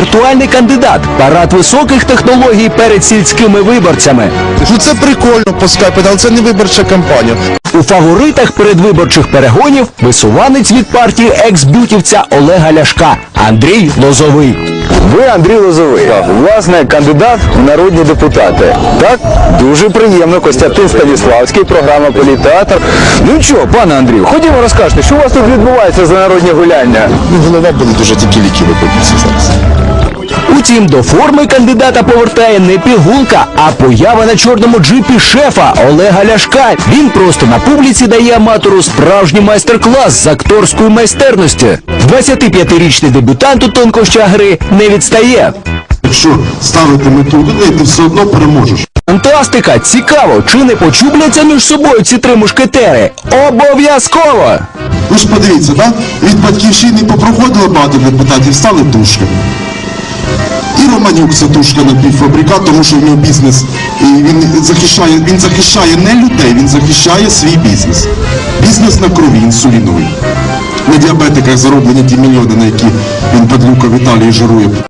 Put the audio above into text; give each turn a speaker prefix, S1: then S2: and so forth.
S1: віртуальний кандидат. Парад високих технологій перед сільськими виборцями.
S2: Ну це прикольно по скайпу, але це не виборча кампанія.
S1: У фаворитах передвиборчих перегонів висуванець від партії екс-бютівця Олега Ляшка Андрій Лозовий.
S3: Ви Андрій Лозовий, власне, кандидат в народні депутати. Так? Дуже приємно. Костянтин Станіславський, програма «Політеатр». Ну що, пане Андрію, ходімо розкажете, що у вас тут відбувається за народні гуляння?
S2: Ну, голова буде дуже тільки ліки випитися зараз.
S1: Утім, до форми кандидата повертає не пігулка, а поява на чорному джипі шефа Олега Ляшка. Він просто на публіці дає аматору справжній майстер-клас з акторської майстерності. 25-річний дебютант у тонкощах гри не відстає.
S4: Якщо ставити мету людей, ти все одно переможеш.
S1: Фантастика! Цікаво, чи не почубляться між собою ці три мушкетери? Обов'язково!
S4: Ви ж подивіться, так? Від Батьківщини попроходило багато депутатів, стали тушками. І Романюк це тушка напівфабрикат, тому що в нього бізнес, і він захищає не людей, він захищає свій бізнес. Бізнес на крові, інсуліновий. На діабетиках зароблені ті мільйони, на які він падлюка в Італії жирує.